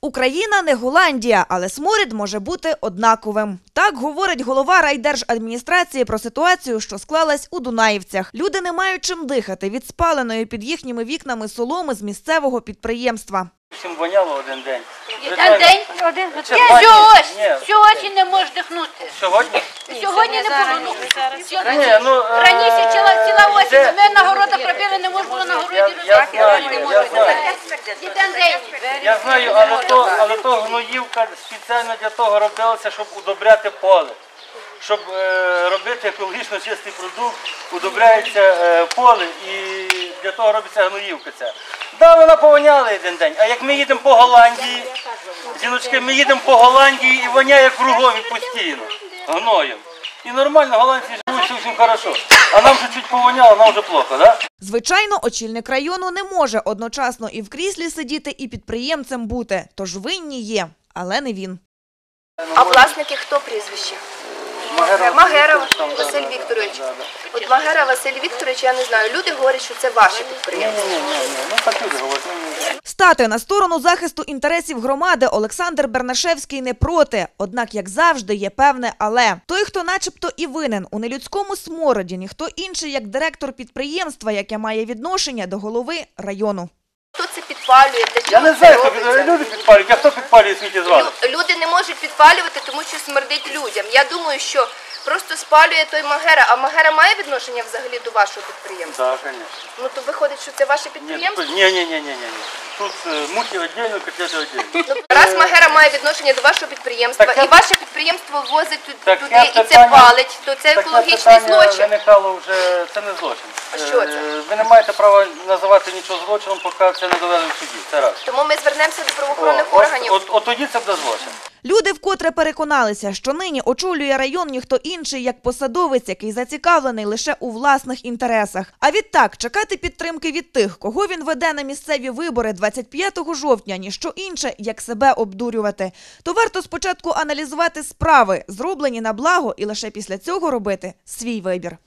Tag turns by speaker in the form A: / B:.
A: Україна не Голландія, але сморід може бути однаковим. Так говорить голова райдержадміністрації про ситуацію, що склалась у Дунаївцях. Люди не мають чим дихати від спаленої під їхніми вікнами соломи з місцевого підприємства.
B: Всім воняло один день.
C: Один? Сьогодні не можеш дихнути.
B: Сьогодні?
C: Сьогодні не було. Раніше ціла осінь. Ми на городах робили, не можна було на городі робити.
B: Я знаю, але то гноївка спеціально для того робилася, щоб удобряти поле. Щоб робити екологічно чистий продукт, удобряється поле і для того робиться гноївка ця. Так, вона повоняла один день, а як ми їдемо по Голландії, жіночки, ми їдемо по Голландії і воняє кругом і постійно, гноєм. І нормально, голландці живуть, все всім хорошо. А нам вже чуть повоняло, нам вже плохо, так?
A: Звичайно, очільник району не може одночасно і в кріслі сидіти, і підприємцем бути. Тож винні є, але не він.
D: А власники хто прізвище? Магера Василь Вікторович. От Магера Василь Вікторович, я не знаю, люди говорять, що це ваше підприємство.
B: Ну так люди говорять.
A: Стати на сторону захисту інтересів громади Олександр Бернашевський не проти. Однак, як завжди, є певне «але». Той, хто начебто і винен у нелюдському смороді, ніхто інший, як директор підприємства, яке має відношення до голови району.
D: Хто це підпалює?
B: Я не знаю, хто люди підпалюють, а хто підпалює сміттєзвалище?
D: Люди не можуть підпалювати, тому що смердить людям. Я думаю, що просто спалює той Магера. А Магера має відношення взагалі до вашого підприємства?
B: Так, звісно.
D: Ну то виходить, що це ваше підприємство?
B: Ні. Тут мухи віддільно, котлети віддільно.
D: Раз Магера має відношення до вашого підприємства, і ваше підприємство возить туди і це
B: питання,
D: палить, то це екологічний злочин.
B: Виникало вже, це не злочин.
D: А що це?
B: Ви не маєте права називати нічого злочином, поки це не доведено в суді. Це раз.
D: Тому ми звернемося до правоохоронних органів.
B: От тоді це буде злочин.
A: Люди вкотре переконалися, що нині очолює район ніхто інший, як посадовець, який зацікавлений лише у власних інтересах. А відтак, чекати підтримки від тих, кого він веде на місцеві вибори 25 жовтня, ніщо інше, як себе обдурювати. То варто спочатку аналізувати справи, зроблені на благо, і лише після цього робити свій вибір.